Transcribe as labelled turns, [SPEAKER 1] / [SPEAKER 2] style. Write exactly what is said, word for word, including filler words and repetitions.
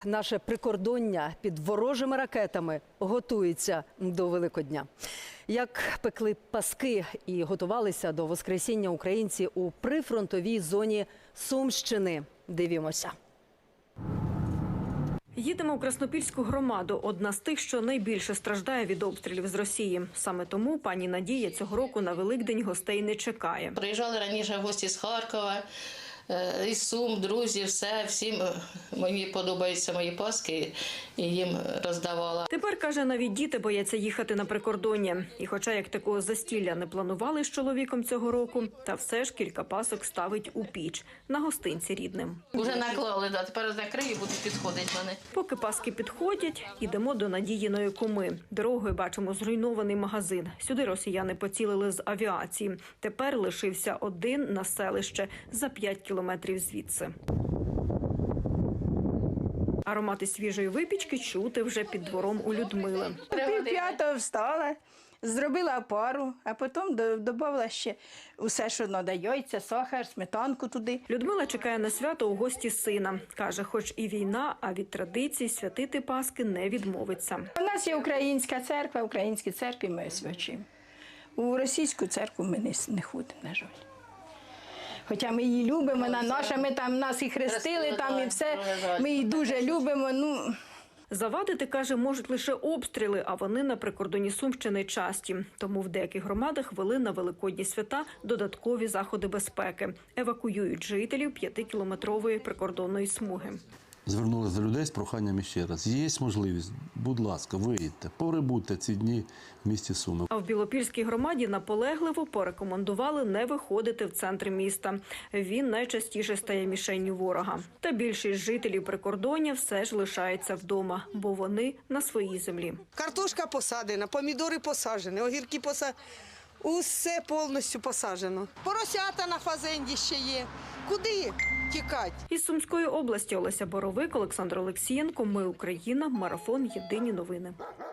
[SPEAKER 1] Наше прикордоння під ворожими ракетами готується до Великодня. Як пекли паски і готувалися до Воскресіння українці у прифронтовій зоні Сумщини. Дивімося.
[SPEAKER 2] Їдемо у Краснопільську громаду, одна з тих, що найбільше страждає від обстрілів з Росії. Саме тому пані Надія цього року на Великдень гостей не чекає.
[SPEAKER 3] Приїжджали раніше гості з Харкова, із Сум, друзі, все, всім мені подобаються мої паски і їм роздавала.
[SPEAKER 2] Тепер, каже, навіть діти бояться їхати на прикордоння. І хоча як такого застілля не планували з чоловіком цього року, та все ж кілька пасок ставить у піч на гостинці рідним.
[SPEAKER 3] Уже наклали, да, тепер закрию і будуть підходити вони.
[SPEAKER 2] Поки паски підходять, ідемо до Надіїної куми. Дорогою бачимо зруйнований магазин. Сюди росіяни поцілили з авіації. Тепер лишився один на селище за п'ять кілометрів звідси. Аромати свіжої випічки чути вже під двором у Людмили.
[SPEAKER 4] Пів п'ятого встала, зробила пару, а потім додала ще усе, що треба, яйця, сахар, сметанку туди.
[SPEAKER 2] Людмила чекає на свято у гості сина. Каже, хоч і війна, а від традицій святити Паски не відмовиться.
[SPEAKER 4] У нас є українська церква, в українській церкві ми освячуємо. У російську церкву ми не, не ходимо, на жаль. Хоча ми її любимо, вона наша, ми там нас і хрестили, там і все, ми її дуже любимо. Ну.
[SPEAKER 2] Завадити, каже, можуть лише обстріли, а вони на прикордоні Сумщини часті. Тому в деяких громадах ввели на великодні свята додаткові заходи безпеки. Евакуюють жителів п'ятикілометрової прикордонної смуги.
[SPEAKER 5] Звернулися до людей з проханням ще раз. Є можливість, будь ласка, виїдьте, перебудьте ці дні в місті Суми.
[SPEAKER 2] А в Білопільській громаді наполегливо порекомендували не виходити в центр міста. Він найчастіше стає мішенню ворога. Та більшість жителів прикордоння все ж лишається вдома, бо вони на своїй землі.
[SPEAKER 6] Картошка посадена, помідори посаджені, огірки посаджені. Усе повністю посаджено. Поросята на фазенді ще є. Куди тікати?
[SPEAKER 2] Із Сумської області Олеся Боровик, Олександр Олексієнко. Ми Україна. Марафон. Єдині новини.